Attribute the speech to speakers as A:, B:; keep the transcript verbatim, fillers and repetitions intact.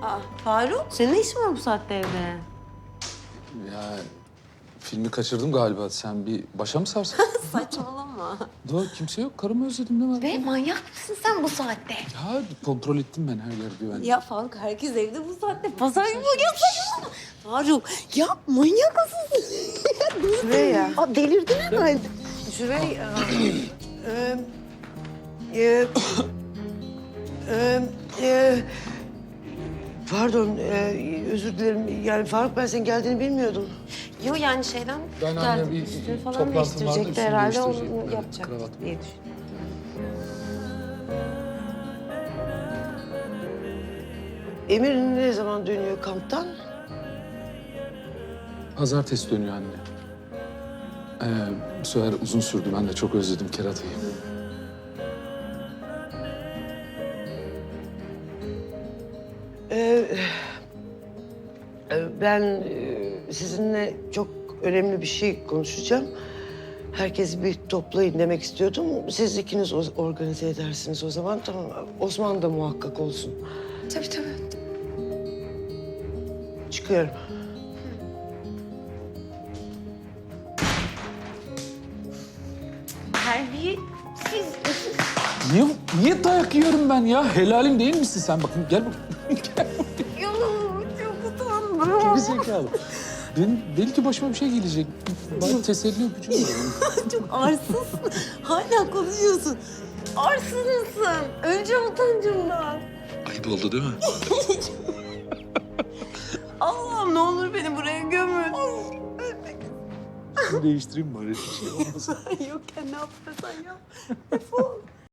A: Aa, Faruk, senin ne işin var bu saatte evde?
B: Ya filmi kaçırdım galiba. Sen bir başa mı sarsın?
A: Saçmalama.
B: Doğru, kimse yok. Karımı özledim değil mi?
A: Be manyak mısın sen bu saatte?
B: Ya kontrol ettim ben her yer güvenli.
A: Ya Faruk, herkes evde bu saatte. Pazar günü ya saçmalama. Faruk, ya manyak mısın?
C: Süreyya.
A: Aa, delirdin herhalde.
C: Süreyya. Ee, e, e, e, pardon, e, özür dilerim. Yani Faruk, ben senin geldiğini bilmiyordum.
A: Yo yani şeyden
B: Ben anne
A: geldi.
B: bir
A: Üstünü falan
B: toplantım vardı,
A: değiştirecekti
B: üstünü
A: herhalde.
B: değiştirecektim.
A: Onu
B: Evet,
A: yapacak
B: kravat.
A: diye düşündüm.
C: Emir ne zaman dönüyor kamptan?
B: Pazartesi dönüyor anne. Ee, bu sefer uzun sürdü. Ben de çok özledim keratayı.
C: Ee, e, ben e, sizinle çok önemli bir şey konuşacağım. Herkesi bir toplayın demek istiyordum. Siz ikiniz o- organize edersiniz o zaman. Tamam. Osman da muhakkak olsun.
A: Tabii tabii.
C: Çıkıyorum.
A: Terbiyesiz.
B: Niye, niye dayak yiyorum ben ya? Helalim değil misin sen? Bakın gel bak. Gel.
A: Yo, çok utandım.
B: Geri zekalı. Benim belki başıma bir şey gelecek. Bari teselli öpücüğü verelim.
A: Çok arsızsın. Hala konuşuyorsun. Arsız mısın? Öleceğim utancımdan.
B: Ayıp oldu değil mi?
A: Allah'ım ne olur beni buraya gömün.
B: Değiştireyim bari. Bir şey olmasın.
A: Yokken ne yaparsan yap. Defol.